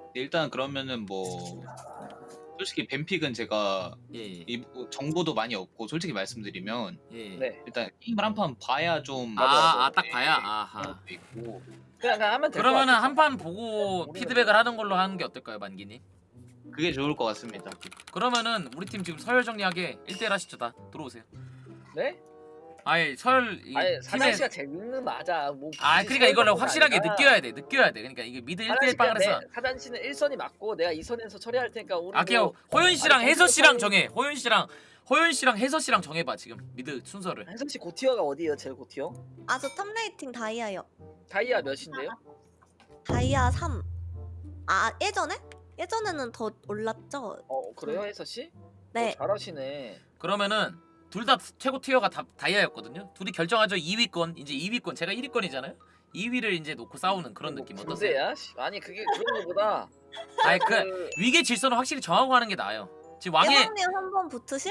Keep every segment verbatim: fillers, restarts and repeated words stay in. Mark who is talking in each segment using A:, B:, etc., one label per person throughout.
A: 일단 그러면은 뭐 솔직히 뱀픽은 제가
B: 예.
A: 이 정보도 많이 없고 솔직히 말씀드리면
B: 예.
C: 네.
A: 일단 게임을 한 판 봐야 좀
B: 아,
C: 맞아, 맞아.
B: 아, 딱 봐야.
A: 그런
B: 아하.
A: 것도 있고
C: 그냥, 그냥 하면 될 것
B: 그러면은
C: 같아.
B: 한 판 보고 피드백을 하는 걸로 하는 게 어떨까요, 만기님?
A: 그게 좋을 것 같습니다.
B: 그러면은 우리 팀 지금 서열 정리하게 일 대 일 하시죠. 다 들어오세요.
C: 네?
B: 아예 서열 이
C: 아니
B: 팀에
C: 사장 씨가 재밌는 맞아. 뭐
B: 아 그러니까 이걸 확실하게
C: 아니라.
B: 느껴야 돼. 느껴야 돼. 그러니까 이게 미드 일 대 일 빵을 해서
C: 사장 씨는 일 선이 맞고 내가 이 선에서 처리할 테니까 우리
B: 아 그냥
C: 뭐-
B: 호연 씨랑
C: 아니,
B: 혜서 씨랑
C: 정신-
B: 정해. 호연 씨랑 호연 씨랑 혜서 씨랑 정해봐 지금 미드 순서를.
C: 혜선 씨 고티어가 어디예요? 제일 고티어?
D: 아 저 탑레이팅 다이아요.
C: 다이아 몇인데요?
D: 다이아 삼. 아 예전에? 예전에는 더 올랐죠?
C: 어 그래요 혜서 씨?
D: 네.
C: 어, 잘하시네.
B: 그러면은 둘 다 최고 티어가 다 다이아였거든요. 둘이 결정하죠. 이 위권 이제 이 위권 제가 일 위권이잖아요. 이 위를 이제 놓고 싸우는 그런
C: 뭐
B: 느낌 어떠세요?
C: 군대야? 씨, 아니 그게 그런 거보다
B: 아니 그
C: 그
B: 위계 질서는 확실히 정하고 하는 게 나아요. 지금 왕의
D: 예방님 한번 붙으실?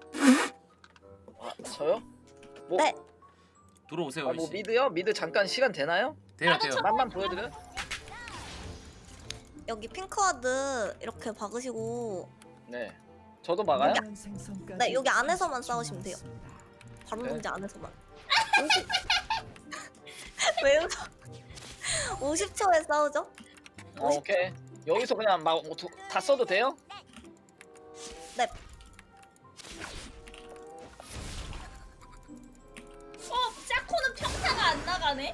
C: 아, 저요? 뭐,
D: 네.
B: 들어오세요.
C: 아, 뭐
B: 씨.
C: 미드요? 미드 잠깐 시간 되나요?
B: 돼요 돼요.
C: 맛만 보여드려?
D: 여기 핑크와드 이렇게 박으시고
C: 네. 저도 막아요?
D: 네 여기 안에서만 싸우시면 돼요. 바로
C: 네.
D: 문제 안에서만. 왜 웃어? 오십 초에 싸우죠?
C: 어, 오케이. 여기서 그냥 막 다 써도 돼요?
D: 네.
E: 어, 짜코는 평타가 안 나가네?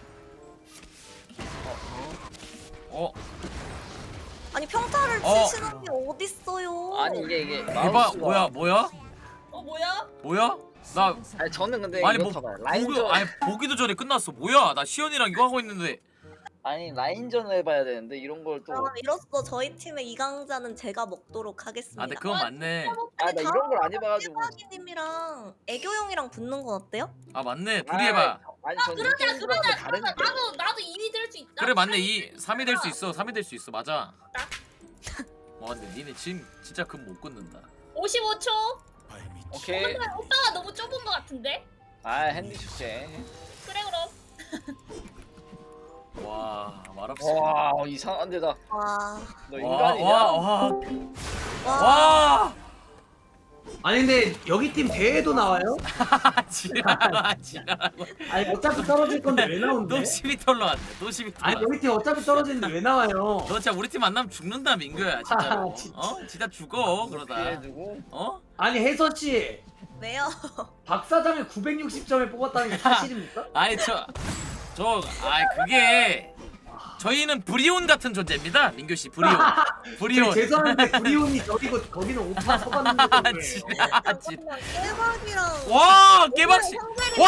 B: 어
D: 아니 평타를
B: 어.
D: 치시는 게 어딨어요?
C: 아니 이게 이게
B: 대박
C: 마우스가-
B: 뭐야 뭐야
E: 어, 뭐야?
B: 뭐야 나
C: 아니 저는 근데
B: 아니 뭐
C: 이렇다 봐요.
B: 보기,
C: 라인전
B: 아니 보기도 전에 끝났어. 뭐야 나 시연이랑 이거 하고 있는데.
C: 아니 라인전을 해봐야 되는데 이런 걸 또
D: 그럼 이로써 저희 팀의 이강자는 제가 먹도록 하겠습니다.
B: 아 근데 그건 맞네.
C: 아 나 이런 걸 안 해봐가지고
D: 깨박이님이랑 애교형이랑 붙는 건 어때요?
B: 아 맞네 둘이 해봐.
C: 아니
E: 아,
C: 전
E: 그러자,
C: 이런
E: 그러자,
C: 거랑 다른
E: 그러자. 나도, 나도 이 위 될 수 있다.
B: 그래 맞네 이 삼 위 될 수 있어 삼 위 될 수 있어 맞아. 와 근데 니네 지금 진짜 금 못 끊는다.
E: 오십오 초.
C: 오케이.
E: 근데 오빠가 너무 좁은 것 같은데?
C: 아 핸디 축제.
E: 그래, 그럼.
B: 와 말없이.
C: 와 이상한데 나 너
D: 와.
C: 인간이냐?
B: 와와와
D: 와.
B: 와.
F: 아니 근데 여기 팀 대회도 나와요?
B: 지랄아 지랄하고.
F: 아니 어차피 떨어질 건데 왜 나온대?
B: 또 십이 털러 왔네. 또 십이 털러.
F: 아니 여기 팀 어차피 떨어지는데 왜 나와요?
B: 너 진짜 우리 팀 만나면 죽는다 민규야 진짜로.
F: 아, 진짜.
B: 어 진짜 죽어 그러다.
C: 피해주고
B: 어?
F: 아니 혜서 씨,
D: 왜요?
F: 박 사장을 구백육십 점에 뽑았다는 게 사실입니까?
B: 아니 저 저 아 그게 저희는 브리온 같은 존재입니다 민규 씨 브리온 브리온.
F: 저희 죄송한데 브리온이 저기고 거기는 오빠 서봤는데
B: 아
F: 거예요.
B: 지랄 지.
D: 깨박이랑
B: 와 깨박씨 와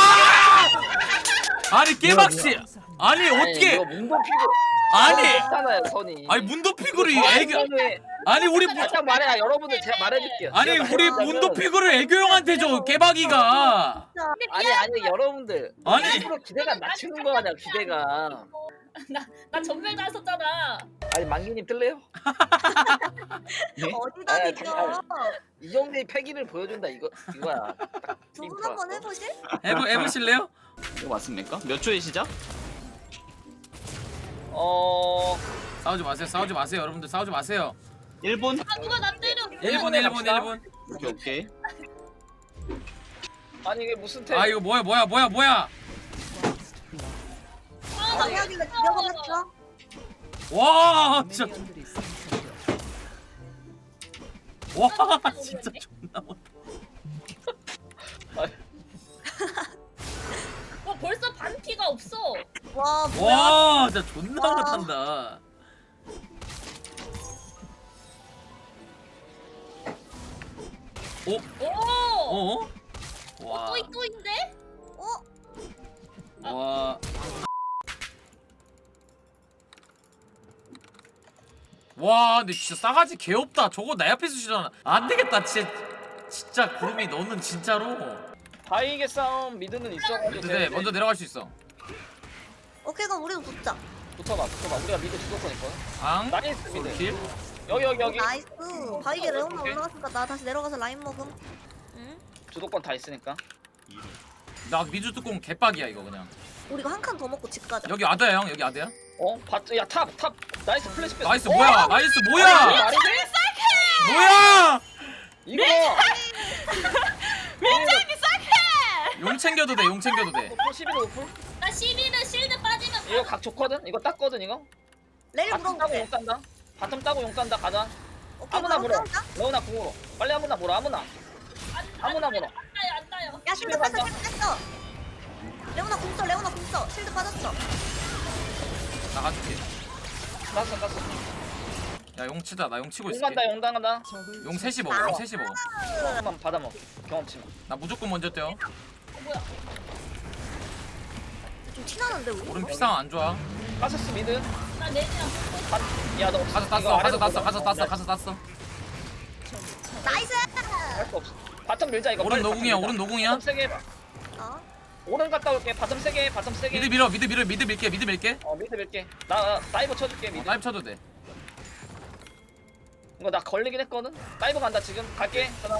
B: 아니 깨박씨 아니 어떻게
C: 이거 문도 피고
B: 아니
C: 있잖아요 선이.
B: 아니 문도 피구를
C: 저
B: 애교
C: 선에
B: 아니 우리 무-
C: 살짝 말해 여러분들 제가 말해줄게요.
B: 아니
C: 제가
B: 우리
C: 말하자면-
B: 문도 피구를 애교 형한테 줘 깨박이가
E: 근데
C: 아니 아니 여러분들
B: 아니.
C: 일부러 기대가 낮추는 거 아니야 기대가.
E: 나, 나 전멸 나섰잖아.
C: 아니 만기님 뜰래요?
D: 어디다
C: 아,
D: 비켜?
C: 잠깐만. 이 정도의 패기를 보여준다 이거 이거야.
D: 두 분 한번 해보실?
B: 해보 해보실래요?
A: 이거 맞습니까? 몇 초에 시작?
C: 어
B: 싸우지 마세요 싸우지 마세요 여러분들 싸우지 마세요.
A: 일 분?
E: 아, 누가 나 때려.
B: 일 분 일 분 일 분.
A: 오케이 오케이.
C: 아니 이게 무슨 태?
B: 아 이거 뭐야 뭐야 뭐야 뭐야.
E: 아, 나
D: 깨박이가 죽여버렸어?
B: 와 진짜 와 진짜 존나 못.
E: 와, 벌써 반피가 없어.
D: 와 뭐야?
B: 와 진짜 존나
D: 와.
B: 못한다. 오?
E: 오!
B: 어? 와.
E: 또 이또인데?
D: 어?
B: 와. 와 근데 진짜 싸가지 개없다. 저거 내 앞에서 주잖아. 안 되겠다. 진짜 진짜 구름이 너는 진짜로.
C: 바이게 싸움 미드는 있어가지고
B: 근데
C: 되는데.
B: 먼저 내려갈 수 있어.
D: 오케이 그럼 우리도 붙자.
C: 붙어봐 붙어봐 우리가 미드 주도권 있거든.
B: 앙.
C: 나이스 미드.
B: 킬.
C: 여기 여기 여기
D: 나이스. 바이게 레오나
C: 오케이.
D: 올라갔으니까 나 다시 내려가서 라인 먹음. 응?
C: 주도권 다 있으니까.
B: 나 미주 뚜껑 개빡이야 이거 그냥.
D: 우리가 한 칸 더 먹고 집 가자.
B: 여기 아드야 형 여기 아드야.
C: 어? 봤, 야, 탑, 탑. 나이스 플래시 뺐어.
B: 나이스
C: 어?
B: 뭐야 나이스
C: 이게
B: 뭐야
C: 말이 돼?
B: 뭐야.
C: 이거.
B: 용 챙겨도 돼 용 챙겨도 돼.
C: 오플 십일 오플.
E: 나 십일은 실드 빠지면
C: 이거 각 좋거든? 이거 땄거든 이거?
D: 레일
C: 바텀 따고
D: 물어볼게.
C: 용 딴다. 바텀 따고 용 딴다. 가자.
D: 오케이,
C: 아무나
D: 그럼
C: 물어.
D: 싸운다.
C: 레오나 궁으로. 빨리 아무나 물어. 아무나. 아무나 물어.
E: 안 따요 안 따요.
D: 야 실드 뺐어 실드 뺐어. 레오나 궁 써, 레오나 궁 써. 실드 빠졌어.
B: 나가줄게.
C: 땄어 땄어.
B: 야 용 치자 나 용 치고
C: 용
B: 있을게.
C: 간다 용 당간다.
B: 용 셋이 먹어 용 셋이 먹어.
C: 한번 받아 먹어. 경험치.
B: 나 무조건 먼저 뛰어.
E: 뭐야?
D: 좀 티나는데 우리?
B: 오른 피상 안 좋아.
C: 가서스 미드.
E: 나 내지랑
C: 바, 야, 너
B: 가서
C: 이거
B: 땄어 가서
C: 아래로
B: 땄어
C: 보자.
B: 가서 땄어
C: 어,
B: 가서 땄어.
D: 나이스!
C: 할거 없어. 바텀 밀자 이거.
B: 오른
C: 빨리
B: 노궁이야
C: 바텀 밀자.
B: 오른 노궁이야.
C: 바텀 세게 해봐.
D: 어?
C: 오른 갔다 올게. 바텀 세게 해. 바텀 세게.
B: 미드 밀어 미드 밀어 미드 밀게 미드 밀게.
C: 어 미드 밀게. 나 다이버 쳐줄게
B: 어,
C: 미드.
B: 다이브 쳐도 돼.
C: 이거 나 걸리긴 했거든. 다이버 간다 지금. 갈게. 그럼.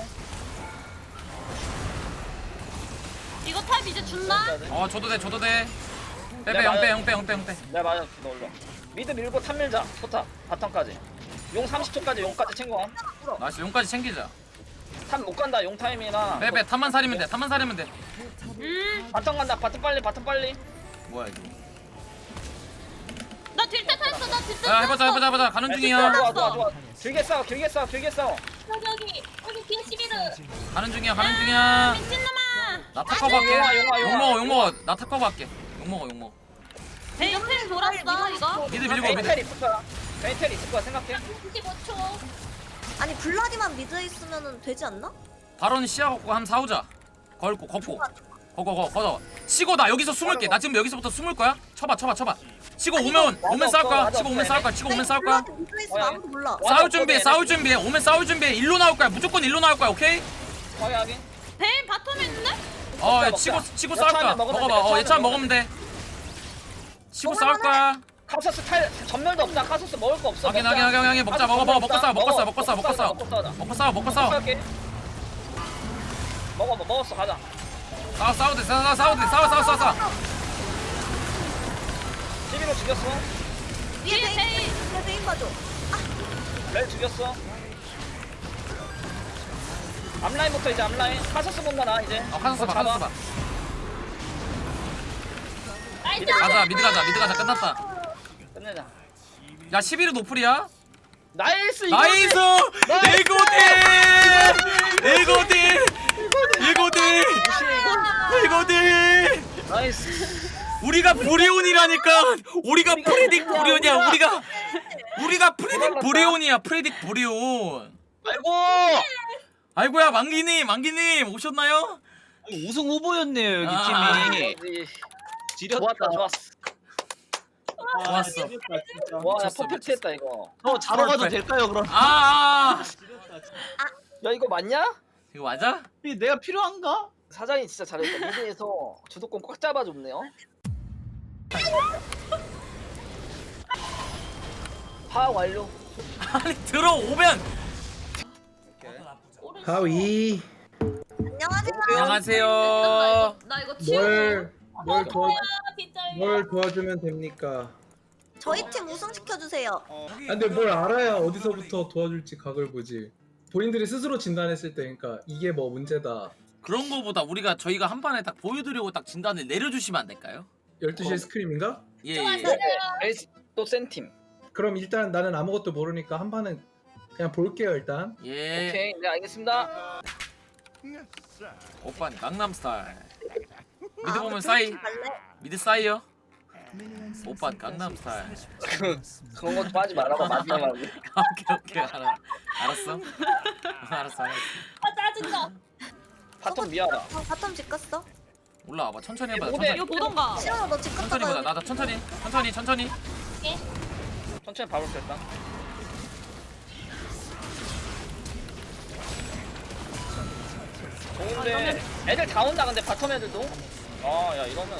E: 이거 탑 이제 준다.
B: 어 줘도 돼 줘도 돼. 빼빼 영빼 영빼 영빼 영빼.
C: 내가 맞아. 너 올라. 미드 밀고 탑 밀자. 포탑. 바텀까지. 용 삼십 초까지 용까지 챙겨.
B: 나이스 용까지 챙기자.
C: 탑 못 간다. 용 타임이나.
B: 빼빼 탑만 살리면 돼 탑만 살리면 돼.
E: 음.
C: 바텀 간다. 바텀 빨리. 바텀 빨리.
B: 뭐야 이거.
E: 나 딜때 탔어. 나 딜때
B: 야 해보자 해보자 해보자 가는
C: 좋아
B: 중이야.
C: 좋아 좋아 좋아. 길게 싸워. 길게 싸워. 길게 싸워.
E: 여기 여기 여기 뒤에 십일은.
B: 가는 중이야 가는 중이야.
E: 미친놈아.
B: 나 탁커버 할게.
C: 용아, 용아, 용아.
B: 욕 먹어 욕 먹어. 나 탁커버 할게. 욕 먹어 욕 먹어.
E: 내 옆에 돌았어 이거.
B: 미드 밀고 미드.
C: 베이텔 있을 거야. 베이텔 있을 거야 생각해.
E: 이십오 초.
D: 아니 블라디만 미드에 있으면 되지 않나?
B: 바론 시야 걷고 한번 싸우자. 걸고 걷고. 거거 거 걷어. 치고 나 여기서 숨을게. 나 지금 여기서부터 숨을 거야. 쳐봐 쳐봐 쳐봐. 치고 오면 오면 싸울 거야. 치고 오면 싸울 거야. 치고 오면 싸울 거야.
D: 블라디 미드에 있으면 아무도 몰라.
C: 와,
B: 싸울 준비해 싸울 준비해. 오면 싸울 준비해. 일로 나올 거야. 무조건 일로 나올 거야. 오케이?
C: 확인하게.
E: 베인 바텀에 있는데?
B: 어
C: 먹자,
B: 치고
C: 먹자.
B: 치고
C: 여차하면
B: 싸울 거야.
C: 먹으면
B: 먹어봐.
C: 돼,
B: 어
C: 여차하면
B: 예찬
C: 먹으면
B: 먹으면 돼. 치고 싸울 거야.
C: 카소스 탈 전멸도 없다. 카소스 먹을 거 없어.
B: 확인
C: 먹자.
B: 확인 확인 확인 먹자 먹어 먹어 먹고 싸워 먹고 싸워 먹고 싸워 먹고 싸워
C: 먹고 싸워.
B: 먹고 싸워 먹고 싸워.
C: 싸울게. 먹어 먹 먹었어 가자.
B: 싸워 싸워 돼 싸워 싸워 돼 싸워 싸워 싸워 싸워.
C: 십일호 죽였어.
D: 위에 베인, 위에 베인 봐줘.
C: 렐 죽였어. 앞라인부터 이제 앞라인. 카소스 본다 나 이제.
B: 어 카서스 봐
C: 잡아.
B: 카서스 봐.
E: 나이스.
B: 가자 미드 가자 미드 가자 끝났다.
C: 끝내자.
B: 야 십일은 노플이야.
C: 나이스 이거.
B: 나이스
C: 나이스!
B: 일고딜 일고딜 일고딜 일고딜.
C: 나이스.
B: 우리가 브리온이라니까. 우리가
C: 우리가
B: 프리딕
C: 우리가
B: 브리온이야.
C: 우리가.
B: 우리가 우리가 프리딕
C: 우리가
B: 브리온이야. 프리딕 브리온.
C: 아이고.
B: 아이고야 만기님 만기님 오셨나요?
A: 우승 후보였네요 여기
B: 아.
A: 팀이.
C: 그렇지.
A: 지렸다.
C: 좋았다 좋았어.
B: 좋았어.
A: 진짜.
C: 와, 야,
B: 미쳤어,
C: 퍼펙트했다 이거.
A: 저 자러 가도 될까요 그럼?
B: 아, 아
C: 야 이거 맞냐?
B: 이거 맞아?
A: 내가 필요한가?
C: 사장이 진짜 잘했다. 미드에서 주도권 꽉 잡아줬네요. 파악 완료.
B: 아니 들어오면.
F: 하위
D: 안녕하세요.
B: 안녕하세요.
E: 나 이거 치우고.
F: 뭘, 뭘, 도와,
E: 빗자루야.
F: 뭘 도와주면 됩니까?
D: 저희 팀 우승 시켜주세요.
F: 아, 근데 뭘 알아야 어디서부터 도와줄지 각을 보지. 본인들이 스스로 진단했을 때 그러니까 이게 뭐 문제다.
B: 그런 거보다 우리가 저희가 한 판에 딱 보여드리고 딱 진단을 내려주시면 안 될까요?
F: 열두 시에 스크림인가?
B: 예.
E: 좋았어요.
B: 예.
C: 에이스 또센 팀.
F: 그럼 일단 나는 아무것도 모르니까 한 판은 그냥 볼게요 일단.
B: 예.
C: 오케이, 네 알겠습니다.
B: 오빠 강남스타일. 미드
D: 아,
B: 보면
D: 그
B: 싸이.
D: 팀 갈래?
B: 미드 싸이요. 오빠 강남스타일.
C: 그런 거 좀 하지 말아봐 마지막에.
B: 오케이 오케이 알아. 알았어. 알았어 알았어.
E: 아 짜증나.
C: 바텀 미아라.
D: 어, 바텀 집 갔어?
B: 올라와봐 천천히 해봐.
C: 오대.
B: 천천히.
E: 이거 보던가.
D: 싫어, 너 집
B: 천천히 보자.
D: 갔다가
B: 나도 천천히. 천천히 천천히.
C: 천천히 밥을 뺐다. 좋은데 애들 다 온다 근데 바텀 애들도. 아 야 이러면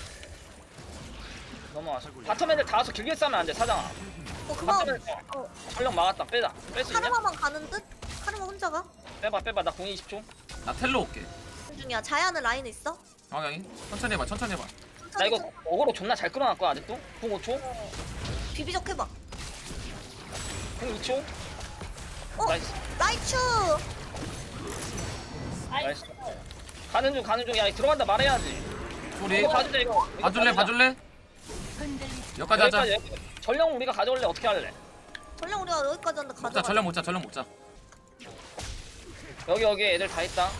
C: 너무 아쉽고. 바텀 애들 다 와서 길게 싸면 안 돼 사장아.
D: 어, 그만.
C: 바텀 애들
D: 어,
C: 전력 막았다. 빼다. 뺄 수 있냐?
D: 카르마만 가는 듯? 카르마 혼자 가?
C: 빼봐 빼봐 나 공 이십 초.
B: 나 텔로 올게.
D: 중이야. 자야는 라인 있어?
B: 방향이 천천히 해봐 천천히 해봐.
C: 나 이거 어그로 존나 잘 끌어놨고 아직도. 궁 오 초.
D: 비비적 해봐.
C: 궁 이 초.
D: 어?
C: 나이스.
D: 나이츠.
C: 나이스. 가는 중 가는 중. 야 들어간다 말해야지.
B: 우리
C: 이거 봐주자 이거. 이거
B: 봐줄래
C: 봐주자.
B: 봐줄래? 여기까지 하자.
C: 여기까지, 여기까지. 전령 우리가 가져올래 어떻게 할래?
D: 전령 우리가 여기까지 왔는데
B: 먹자
D: 가져가.
B: 전력 먹자 전력 먹자.
C: 여기 여기 애들 다 있다.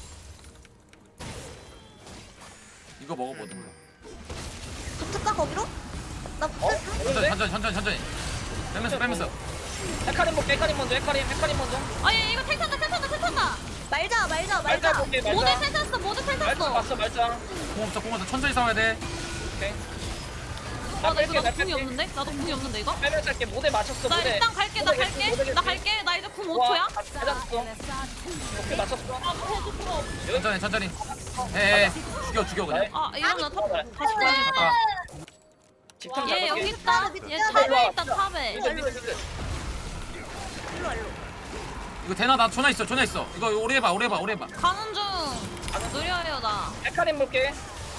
B: 이거 먹어보든.
D: 붙을까 거기로? 나
C: 어?
D: 붙을까?
B: 천천히 천천히 천천히 천천히. 빼면서 빼면서.
C: 헤카림 볼게. 헤카림 먼저. 헤카림 헤카림 먼저.
E: 아니 이거 텔 탄다 텔 탄다 텔 탄다.
D: 말자 말자
C: 말자
D: 말자.
C: 볼게.
E: 모델
C: 말자.
E: 텔 탔어 모델 텔
C: 말자
E: 탔어.
C: 봤어 말자.
B: 공 없어 공 없어 천천히 싸워야 돼.
C: 오케이.
E: 아 나 이거
C: 뺄게,
E: 나도
C: 나
E: 궁이
C: 뺄게.
E: 없는데? 나도 궁이 없는데 이거?
C: 빼면서 할게. 모델 맞췄어.
E: 나
C: 모델.
E: 일단 갈게 나
C: 모델
E: 갈게
C: 모델
E: 나
C: 모델.
E: 갈게 나 이제 궁 오
C: 와,
E: 초야.
C: 다 맞았어. 오케이 맞췄어.
B: 천천히 천천히. 에에 죽여 죽여 그냥.
E: 아 이러면 나 탑, 다시 가야겠다.
B: 잠깐.
C: 집중
E: 얘 여기
C: 잡을게.
E: 있다. 얘 탑에 있다 탑에.
C: 미드 미드 미드.
D: 일로 와 일로.
B: 이거 대나 나 전화 있어 전화 있어. 이거 오래 해봐 오래 해봐 오래 해봐.
E: 가는 중. 느려요 나.
C: 헤카림 볼게.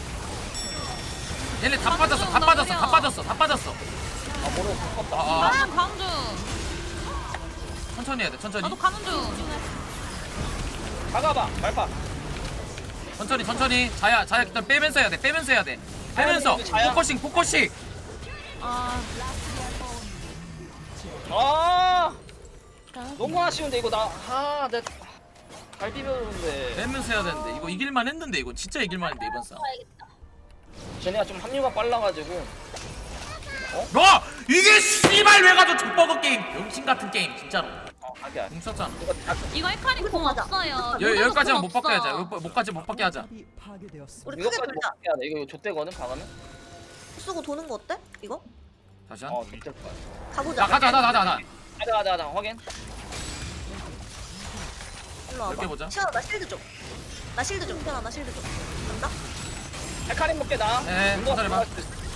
B: 얘네 다 빠졌어 다 빠졌어 다 빠졌어 다 빠졌어.
C: 아 모르고 바꿨다.
B: 아, 아.
E: 나는 가는 중.
B: 천천히 해야 돼 천천히.
E: 나도 가는 중.
C: 가가봐 말파.
B: 천천히 천천히. 자야 자야 일단 빼면서 해야 돼 빼면서 해야 돼. 빼면서
C: 자야, 자야.
B: 포커싱 포커싱.
E: 아
C: 아 너무 아쉬운데 이거 나아내 갈비벼는데
B: 빼면서 해야 되는데 이거 이길만 했는데 이거 진짜 이길만 했는데 이번 싸움.
C: 쟤네가 좀 합류가 빨라가지고.
B: 너 이게 씨발 왜 가져 족버거 게임 병신 같은 게임 진짜로.
C: 어 하기야.
B: 공 썼잖아.
C: 이거 다
E: 이거 헤카리 궁
D: 가자.
E: 없어요.
B: 여
E: 모델도
B: 여기까지만
E: 궁
B: 못 받게
E: 없어.
B: 하자. 여기 못까지 못 받게 하자.
D: 우리 크게
C: 이거까지 못
D: 돌자.
C: 해야 돼. 이거 이거 좆대거든 가가면.
D: 쓰고 도는 거 어때? 이거?
B: 다시 한.
C: 어 좆대 거야.
D: 가보자.
B: 자 가자 가자 가자 가자.
C: 가자 가자 가자 확인.
D: 일로 와봐.
B: 넓게 보자.
D: 시원아 나 실드 좀. 나 실드 좀. 시원아 나 실드 좀. 간다?
C: 헤카림 볼게 나.
B: 네,
C: 운동
B: 천천히 봐.
C: 들어갈 수도 있어.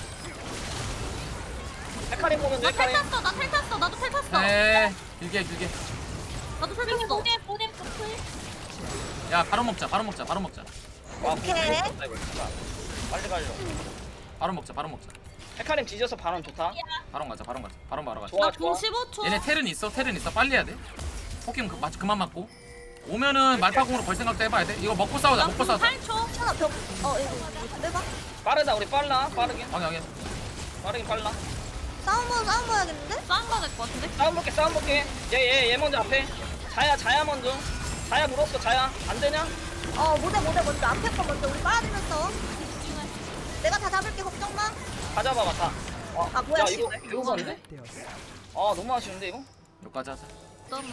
C: 헤카림 보면 돼.
E: 나텔
C: 헤카림.
E: 탔어 나 텔 탔어 나도 텔 탔어.
B: 네 길게 길게.
E: 나도 텔 탔어. 모델 모델 커플.
B: 야 바로 먹자 바로 먹자 바로 먹자
C: 와,
D: 오케이.
C: 미쳤다, 이거 진짜. 빨리 가려.
B: 바로 먹자 바로 먹자.
C: 헤카림 뒤져서 바람 좋다.
B: 바로 가자 바로 가자 바로 바로 가자.
C: 좋아
E: 나궁
C: 좋아.
E: 십오 초.
B: 얘네 텔은 있어 텔은 있어 빨리 해야 돼. 포켓몬 그, 맞, 그만 맞고 오면은 말파공으로 걸 생각도 해봐야 돼. 이거 먹고 싸우자 먹고
E: 나궁
B: 싸우자.
E: 팔 초.
D: 시원아 벽. 어 이거 이거 빼봐.
C: 빠르다 우리 빨라 빠르긴
B: 방해 방해.
C: 빠르긴 빨라.
D: 싸움 번 싸움 봐야겠는데?
E: 싼 거 될 것 같은데?
C: 싸움 볼게 싸움 볼게. 얘 얘 얘 먼저 앞에. 자야 자야 먼저. 자야 물었어 자야 안 되냐?
D: 어 모델 모델 먼저 앞에 거 먼저 우리 빨아들면서. 내가 다 잡을게 걱정 마.
C: 가져봐봐 다. 어,
D: 아, 뭐야,
C: 야
D: 씨.
C: 이거 배우건데? 아 너무 아쉬운데 이거?
B: 여기까지 하자.
E: 너무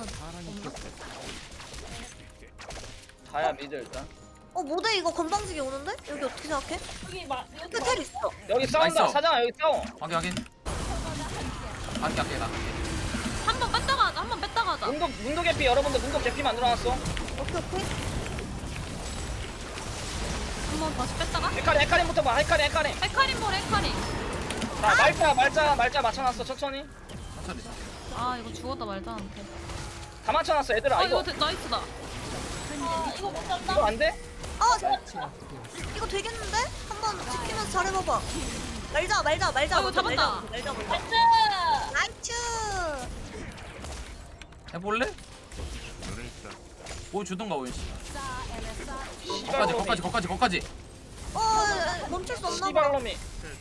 C: 자야 미드 일단.
D: 어 모델 이거 건방지게 오는데? 여기 어떻게 생각해?
E: 여기 막
D: 여기 텔 있어.
C: 여기 싸운다
B: 나이스.
C: 사장아 여기 싸워.
B: 확인 확인. 아껴 아껴 나.
E: 한번 뺐다가 하자. 한번 뺐다가 하자.
C: 문도 문도 개피 여러분들 문도 개피 만들어놨어.
D: 오케이 오케이.
E: 한번 다시 뺐다가.
C: 헤카림 헤카림부터 봐 헤카림 헤카림.
E: 헤카림 볼 헤카림.
C: 자 말자 말자 말자 맞춰놨어 천천히.
B: 천천히.
E: 아 이거 죽었다 말자한테.
C: 다 맞춰놨어 얘들아
E: 아
C: 이거
E: 이거 되- 나이스다. 아 이거 못 잡나?
C: 이거 안 돼?
D: 어 자- 이거 되겠는데? 한번 지키면서 잘해봐봐. 말자 말자 말자.
E: 아, 이거
D: 먼저,
E: 잡았다.
D: 말자 먼저. 말자 먼저. 나이츠.
B: 해볼래? 보여주던가 오윤 씨.
C: 씨발
B: 거까지 거까지 거까지 거까지
D: 어 멈출 수 없나 봐.
C: 씨발놈이.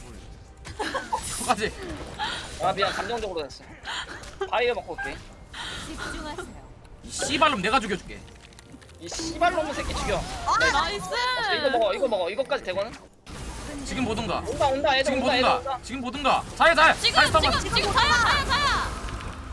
B: 거까지.
C: 아 미안 감정적으로 됐어. 바이어 먹고 올게.
B: 이 씨발놈 내가 죽여줄게.
C: 이 씨발놈의 새끼 죽여.
E: 나이스.
C: 어, 이거 먹어 이거 먹어 이거까지 되거든.
B: 지금 보든가.
C: 온다 온다 애들
B: 지금
C: 온다 애들
B: 보든가.
C: 온다.
B: 지금 보든가. 자야 자야.
E: 지금
B: 자야 스톱.
E: 지금 지금 사야 사야 사야.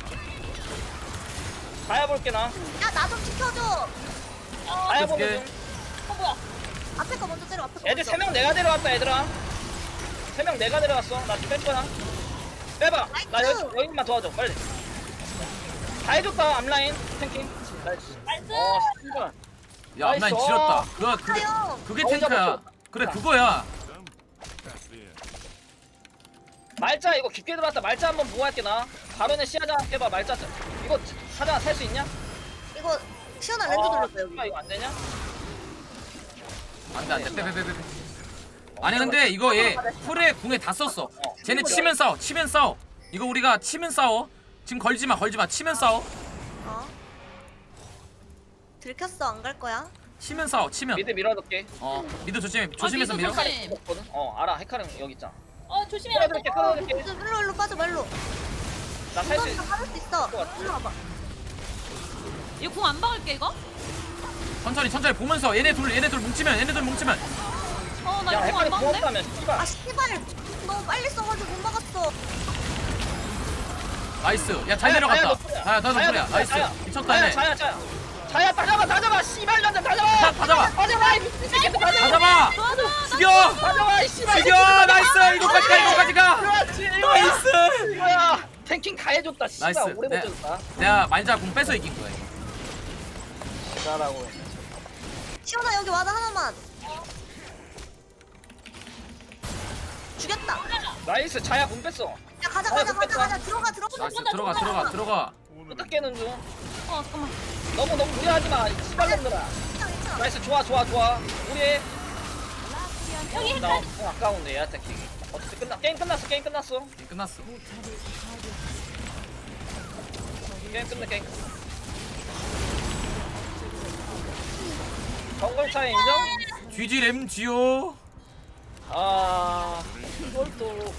C: 자야 볼게 나.
D: 야 나 좀 지켜줘.
C: 자야 보면
B: 어떡해.
C: 좀.
E: 어 뭐야?
D: 앞에 거 먼저 때려. 앞에 거
C: 애들
D: 먼저.
C: 세 명 내가 데려왔다 얘들아. 세 명 내가 데려왔어. 나 좀 뺄 거야. 빼봐. 나 여기 여기만 도와줘 빨리. 다 해줬다 앞라인 탱킹. 나이스.
E: 나이스.
C: 어 씨발.
B: 야 앞라인
C: 나이스.
B: 지렸다. 그거 그게
D: 아요.
B: 그게
C: 어,
B: 탱크야.
C: 잡았어.
B: 그래 그거야.
C: 말자 이거 깊게 들어왔다. 말자 한번 보고 할게 나. 바로는 시야자 해봐 말자. 이거 사장아 살 수 있냐?
D: 이거 시원한 렌즈
C: 어,
D: 돌렸어 여기.
C: 씨발, 이거 안 되냐?
B: 안돼 안돼 빼빼빼빼. 아니 근데 이거 얘 풀에 궁에 다 썼어. 쟤네 치면 싸워 치면 싸워. 이거 우리가 치면 싸워. 지금 걸지마 걸지마 치면 싸워.
D: 어? 들켰어 안 갈 거야?
B: 치면 싸워 치면.
C: 미드 밀어둘게.
B: 어 미드 조심해 조심해서 밀어.
E: 조심.
C: 거든. 어 알아. 헤카림 여기 있잖아.
E: 어 조심해라.
C: 끌어들게 끌어들게.
D: 일로 일로 빠져 말로.
C: 나 살 수
D: 이건
C: 있어.
D: 다 빠질 수 있어. 일로 와봐.
E: 이거 궁 안 박을게 이거?
B: 천천히 천천히 보면서 얘네 둘 얘네 둘 뭉치면 얘네 둘 뭉치면.
E: 어나
C: 야
E: 이거 궁
C: 헤카림
E: 안 박는데?
C: 부었다면 씨발.
D: 아 씨발 너무 빨리 써가지고 못 막았어.
B: 나이스. 야 잘 내려갔다. 자야 더 소리야. 나이스. 미쳤다
C: 자야
B: 얘네.
C: 자야 자야. 자야 다 잡아 다 잡아 씨발 년자 다 잡아.
B: 다 잡아.
C: 다 잡아 이 미친 새끼 다
B: 다
C: 잡아.
B: 잡아.
E: 좋아 좋아.
B: 죽여.
C: 다 잡아 이 씨발.
B: 죽여. 나이스. 이거까지 가 이거까지 가.
C: 그렇지. 이거야.
B: 나이스.
C: 이거야. 탱킹 다 해줬다. 씨발
B: 나이스.
C: 오래
B: 네.
C: 버텼다.
B: 내가 말자 궁 뺏어 이긴 거야.
C: 잘하고.
D: 시원아 여기 와다 하나만. 죽였다.
C: 나이스 자야 분 뺐어.
D: 야 가자
C: 아,
D: 가자
C: 못
D: 가자
C: 뺐다.
D: 가자 들어가 들어가.
B: 나이스 들어가 들어가 들어가.
C: 어떻게는 중.
E: 어 잠깐만.
C: 너무 너무 무리하지 마. 이 씨발 놈들아.
D: 괜찮아 괜찮아.
C: 나이스 좋아 좋아 좋아. 우리 해.
E: 여기
C: 나 어, 아까운데 야 탱킹. 어쨌든 끝나 게임 끝났어 게임 끝났어.
B: 게임 끝났어.
C: 게임 끝나 게임. 정글 차이 인정?
B: 쥐지램 쥐요.
C: 아 이걸 또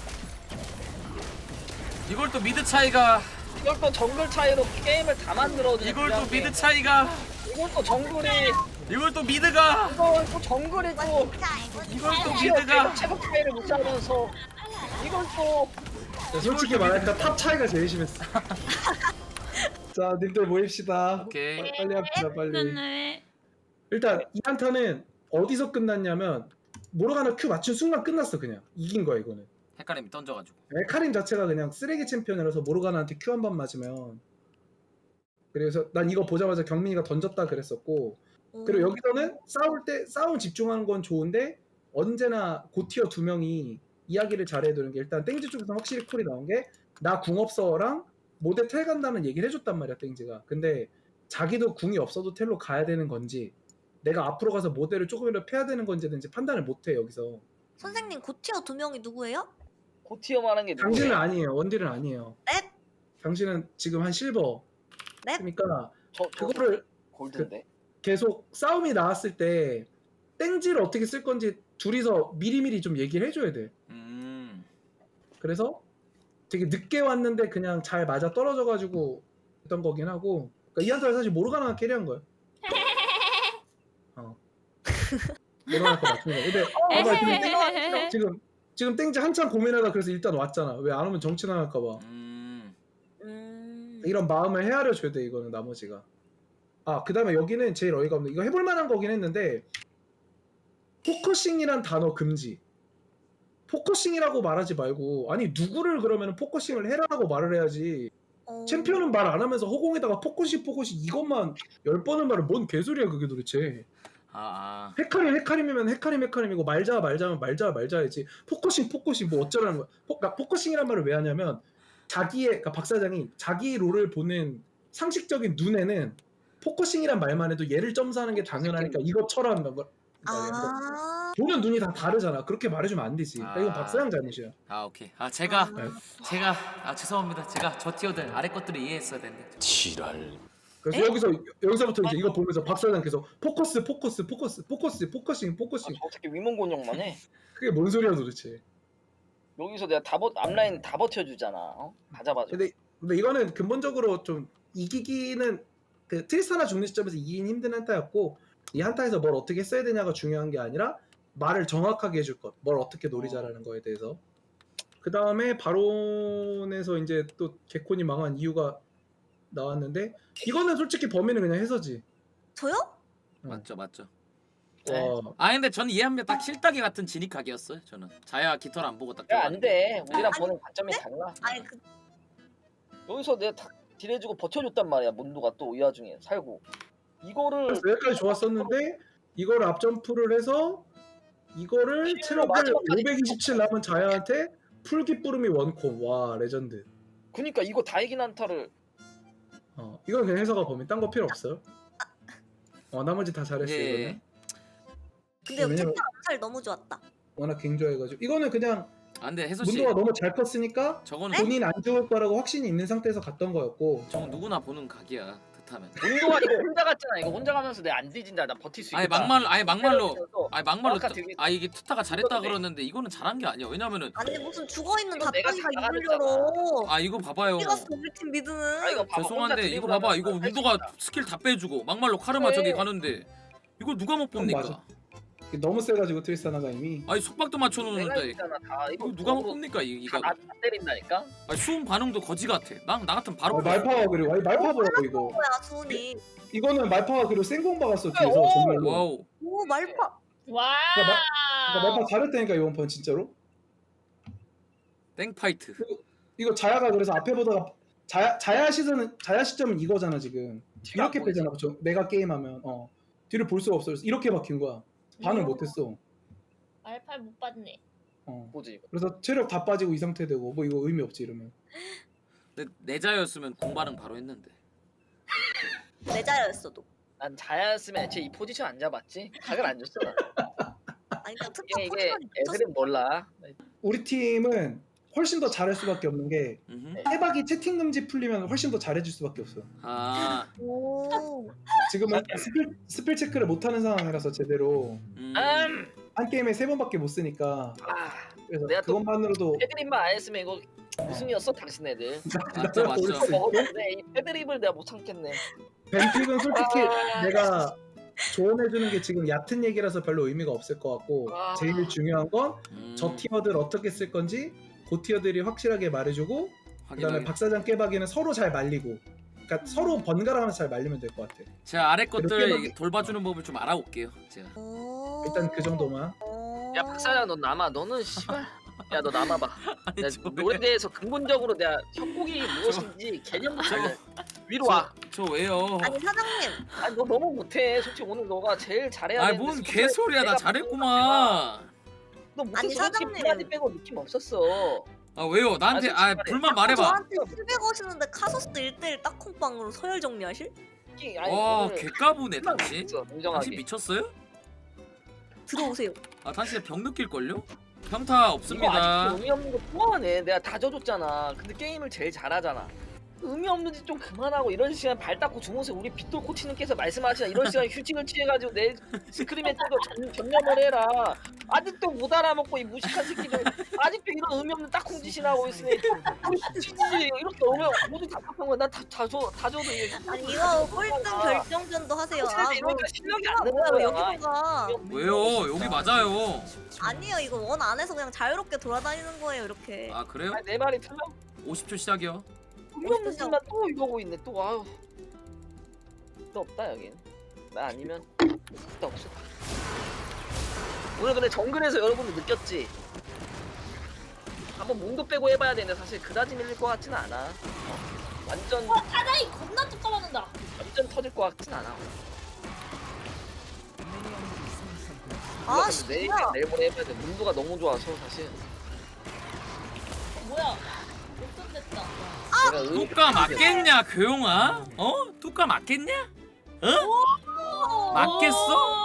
B: 이걸 또 미드 차이가.
C: 이걸 또 정글 차이로 게임을 다 만들어주는
B: 이걸 또
C: 그냥
B: 미드
C: 게임.
B: 차이가.
C: 이걸 또 정글이
B: 이걸 또 미드가.
C: 이걸 또 정글이 또
D: 자 이거
B: 이걸 또
C: 티어
B: 미드가.
C: 체력 차이를 못 잡으면서 이걸 또
F: 야, 솔직히 말하니까 탑 차이가 제일 심했어. 자, 님들 모입시다.
B: 오케이.
F: 빨리 합시다, 빨리.
E: 네.
F: 일단 이 한타는 어디서 끝났냐면 모로가나 Q 맞춘 순간 끝났어 그냥. 이긴 거야 이거는.
B: 헷갈림이 던져가지고.
F: 에카림 자체가 그냥 쓰레기 챔피언이라서 모로가나한테 Q 한 번 맞으면. 그래서 난 이거 보자마자 경민이가 던졌다 그랬었고. 그리고 여기서는 싸울 때 싸움 집중하는 건 좋은데 언제나 고티어 두 명이 이야기를 잘해야 되는 게 일단 땡지 쪽에서 확실히 콜이 나온 게 나 궁 없어랑 모델 텔 간다는 얘기를 해줬단 말이야 땡지가. 근데 자기도 궁이 없어도 텔로 가야 되는 건지 내가 앞으로 가서 모델을 조금이라도 패야 되는 건지든지 판단을 못해 여기서.
D: 선생님 고티어 두 명이 누구예요?
C: 고티어만 하는 게
F: 당신은
C: 누구야?
F: 아니에요. 원딜은 아니에요.
D: 넵.
F: 당신은 지금 한 실버.
D: 넵.
F: 그러니까
C: 저, 저
F: 그거를
C: 골드인데
F: 계속 싸움이 나왔을 때 땡지를 어떻게 쓸 건지 둘이서 미리미리 좀 얘기를 해줘야 돼.
B: 음.
F: 그래서 되게 늦게 왔는데 그냥 잘 맞아 떨어져가지고 했던 거긴 하고. 그러니까 이 한타를 사실 모르가나가 캐리한 거야. 어. 모르가나 거 맞춘 거. 근데 봐봐 지금, 땡- 지금 지금 땡지 한참 고민하다 그래서 일단 왔잖아. 왜 안 오면 정치 나갈까봐.
B: 음.
D: 음.
F: 이런 마음을 헤아려 줘야 돼 이거는 나머지가. 아 그다음에 여기는 제일 어이가 없는 이거 해볼 만한 거긴 했는데 포커싱이란 단어 금지. 포커싱이라고 말하지 말고 아니 누구를 그러면 포커싱을 해라라고 말을 해야지.
D: 어.
F: 챔피언은 말 안 하면서 허공에다가 포커싱 포커싱 이것만 열 번은 말을 뭔 개소리야 그게 도대체.
B: 아, 아.
F: 헤카림 헤카림이면 헤카림 헤카림이고 말자 말자면 말자 말자야지. 포커싱 포커싱 뭐 어쩌라는 거야. 포, 그러니까 포커싱이란 말을 왜 하냐면 자기의 그러니까 박 사장이 자기 롤을 보는 상식적인 눈에는 포커싱이란 말만 해도 얘를 점수하는 게 당연하니까 이거 쳐라는 거.
D: 아.
F: 보는 눈이 다 다르잖아. 그렇게 말해주면 안 되지. 그러니까 이건
B: 아.
F: 박 사장 잘못이야.
B: 아 오케이. 아 제가
D: 아.
B: 제가 아 죄송합니다. 제가 저 티어들 아래 것들을 이해했어야 되는데.
F: 그래서
D: 에?
F: 여기서 여기서부터 이제 이거 보면서 박 사장 계속 포커스 포커스 포커스 포커스 포커싱 포커싱.
C: 아, 어떻게 위문곤욕만 해?
F: 그게 뭔 소리야 도대체.
C: 여기서 내가 다 버, 앞라인 다 버텨주잖아. 어? 다 잡아줘.
F: 근데 근데 이거는 근본적으로 좀 이기기는 그 트리스타나 죽는 시점에서 이기긴 힘든 한타였고 이 한타에서 뭘 어떻게 써야 되냐가 중요한 게 아니라 말을 정확하게 해줄 것, 뭘 어떻게 노리자라는 거에 대해서. 그 다음에 바론에서 이제 또 개콘이 망한 이유가 나왔는데 이거는 솔직히 범인은 그냥 해서지.
D: 저요?
B: 맞죠 맞죠.
C: 네.
F: 와,
B: 아 근데 저는 이해합니다. 딱 실따기 같은 진입각이었어요. 저는 자야 깃털 안 보고 딱.
C: 야, 안 돼. 우리랑
D: 아니,
C: 보는 관점이 달라.
D: 아니 그
C: 여기서 내가 다 딜해주고 버텨줬단 말이야. 문도가 또 이 와중에 살고. 이거를
F: 그래서 여기까지 좋았었는데 이거를 앞점프를 해서 이거를 체력을
C: 마지막까지
F: 오백이십칠 남은 자야한테 풀기 뿌름이 원콤. 와 레전드.
C: 그니까 이거 다 이긴 한타를
F: 어 이건 그냥 해서가 범인. 딴 거 필요 없어요. 어 나머지 다 잘했어
B: 예.
F: 이거는.
D: 근데
F: 왜냐면-
D: 투타 암살 너무 좋았다.
F: 워낙 갱조해가지고 이거는 그냥
B: 아 근데 혜서 씨
F: 문도가 너무 잘 컸으니까
B: 저거는
F: 본인 안 죽을 거라고 확신이 있는 상태에서 갔던 거였고.
B: 저건 누구나 보는 각이야. 듯하면.
C: 운동아 이거 혼자 갔잖아. 이거 혼자 가면서 내가 안 뒤진다. 나 버틸 수 있다.
B: 아니 막말로 아니 막말로 아니 막말로
C: 아까 되게-
B: 아 이게 투타가 잘했다
C: 이거는
B: 그러는데 이거는 잘한 게 아니야. 왜냐면은
D: 아니 무슨 죽어있는
C: 이거 내가
D: 갑자기가
C: 다
D: 입을
C: 잘했잖아.
D: 열어.
B: 아 이거 봐봐요.
D: 찍었어 우리 팀 미드는.
C: 아, 이거 봐봐, 혼자
B: 죄송한데 이거
C: 드리블
B: 봐봐
C: 하면서
B: 이거
C: 할수
B: 운도가
C: 있다.
B: 스킬 다 빼주고 막말로 카르마
C: 그래.
B: 저기 가는데 이걸 누가 못
F: 그건
B: 뽑니까?
F: 맞아. 너무 세가지고 트리스타나가 이미.
B: 아니 속박도
C: 내가
B: 맞춰놓는데
C: 있잖아. 다 이거
B: 이거 누가 못
C: 도구로
B: 뽑니까 이 이거?
C: 다, 다 때린다니까.
B: 아니 수음 반응도 거지 같아. 나 나 같은 바로
F: 아, 말파가 그리고 아니 말파 보라고 이거.
D: 뭐야 수훈이.
F: 이거는 말파가 그리고 생공 박았어 뒤에서
C: 오!
F: 정말로.
B: 와우.
D: 오 말파.
E: 와.
F: 그러니까 말파 잘했다니까 이번 판 진짜로.
B: 땡파이트.
F: 이거 자야가 그래서 앞에 보다가 자야 자야 시즌은 자야 시점은 이거잖아 지금.
C: 뒤가
F: 이렇게
C: 안 보이지.
F: 빼잖아. 저 내가 게임하면 어 뒤를 볼 수가 없어. 그래서 이렇게 박힌 거야. 반응 못했어.
E: 알팔 못 봤네.
F: 어.
C: 뭐지 이거?
F: 그래서 체력 다 빠지고 이 상태 되고 뭐 이거 의미 없지 이러면.
B: 근데 내자였으면 공발응 바로 했는데.
D: 내자였어도.
C: 난 자야였으면 애초에 이 포지션 안 잡았지. 각을 안 줬어.
D: 아니 그러니까 투타
C: 이게, 이게
D: 포지션이 붙었어.
C: 애들은 몰라.
F: 우리 팀은 훨씬 더 잘할 수밖에 없는 게
B: 음흠.
F: 해박이 채팅 금지 풀리면 훨씬 더 잘해줄 수밖에 없어.
B: 아.
D: 오.
F: 지금은 스펠, 스펠 체크를 못하는 상황이라서 제대로
B: 음.
C: 음.
F: 한 게임에 세 번밖에 못 쓰니까
C: 아,
F: 그래서
C: 내가 또-
F: 그것만으로도
C: 패드립만 안 했으면 이거 우승이었어 당신 애들.
B: 맞죠 맞죠.
F: 올 수 있고.
C: 먹었는데 이 패드립을 내가 못 참겠네.
F: 벤픽은 솔직히
C: 아,
F: 내가 조언해주는 게 지금 얕은 얘기라서 별로 의미가 없을 것 같고
C: 아.
F: 제일 중요한 건 저
B: 음.
F: 티어들 어떻게 쓸 건지 그 티어들이 확실하게 말해주고 그다음에
B: 확인하게.
F: 박사장 깨박이는 서로 잘 말리고 그러니까 서로 번갈아가면서 잘 말리면 될 것 같아.
B: 제가 아래 것들
F: 이렇게
B: 돌봐주는 법을 좀 알아올게요. 제가.
D: 오.
F: 일단 그 정도만.
D: 오.
C: 야 박사장 너 남아. 너는 씨발. 야 너 남아봐.
B: 아니,
C: 내가
B: 저 왜-
C: 노래에 대해서 근본적으로 내가 협곡이 무엇인지 개념부터 알려. 위로 와.
B: 저 왜요?
D: 아니 사장님.
C: 아니 너 너무 못해. 솔직히 오늘 너가 제일 잘해야
B: 아니
C: 되는데
B: 뭔
C: 솔직히
B: 개소리야 나
C: 내가
B: 잘했구만.
C: 너 못했어.
D: 아니,
C: 솔직히
D: 사장님.
C: 불만이 빼고 느낌 없었어.
B: 아 왜요? 나한테
C: 아,
B: 아
C: 솔직히
B: 불만 말해봐.
D: 저한테 힐백 오시는데 카소스 일 대일 딱콩빵으로 서열 정리하실?
C: 솔직히 아니
B: 와
C: 오늘
B: 개까부네
C: 불만
B: 당신.
C: 없었어,
B: 당신
C: 인정하게.
B: 미쳤어요?
D: 들어오세요.
B: 아 당신 병 느낄걸요? 평타
C: 이거
B: 없습니다.
C: 아직도 의미 없는 거 또하네. 내가 다 져줬잖아. 근데 게임을 제일 잘하잖아. 의미 없는 짓 좀 그만하고 이런 시간 발 닦고 주무세요. 우리 빗돌 코치님께서 말씀하시나 이런 시간 휴식을 취해가지고 내 스크림에 뜨고 전, 전념을 해라. 아직도 못 알아먹고 이 무식한 새끼들 아직도 이런 의미 없는 딱콩 짓이나 하고 있으니 우리 진지 이렇게 오면 모두 답답한 거야. 난다다 줘, 다 줘도 이게
D: 아니 이거 꼴등 결정전도 하세요. 아
C: 사실
D: 뭐
C: 이러니까 실력이 안
D: 뭐야
C: 되는
D: 왜
C: 거야.
D: 여기로 가?
B: 왜요? 여기 맞아요.
D: 아니에요 이거 원 안에서 그냥 자유롭게 돌아다니는 거예요 이렇게.
B: 아 그래요?
C: 아니, 내 말이 틀려?
B: 오십 초 시작이요.
C: 의미 없는 짓만 또 이러고 있네. 또 아유. 또 없다 여긴. 나 아니면 또 없어. 오늘 근데 정글에서 여러분들 느꼈지? 한번 몸도 빼고 해봐야 되는데 사실 그다지 밀릴 것 같진 않아. 완전
E: 사장이 겁나 뚝 맞는다.
C: 완전 터질 것 같진 않아.
D: 아
C: 근데 내일
D: 진짜.
C: 내일 모레 해봐야 돼. 문도가 너무 좋아서 사실.
E: 어, 뭐야? 역전됐다.
C: 내가 의-
B: 뚜까 맞겠냐 교용아? 어? 뚜까 맞겠냐? 어? 맞겠어?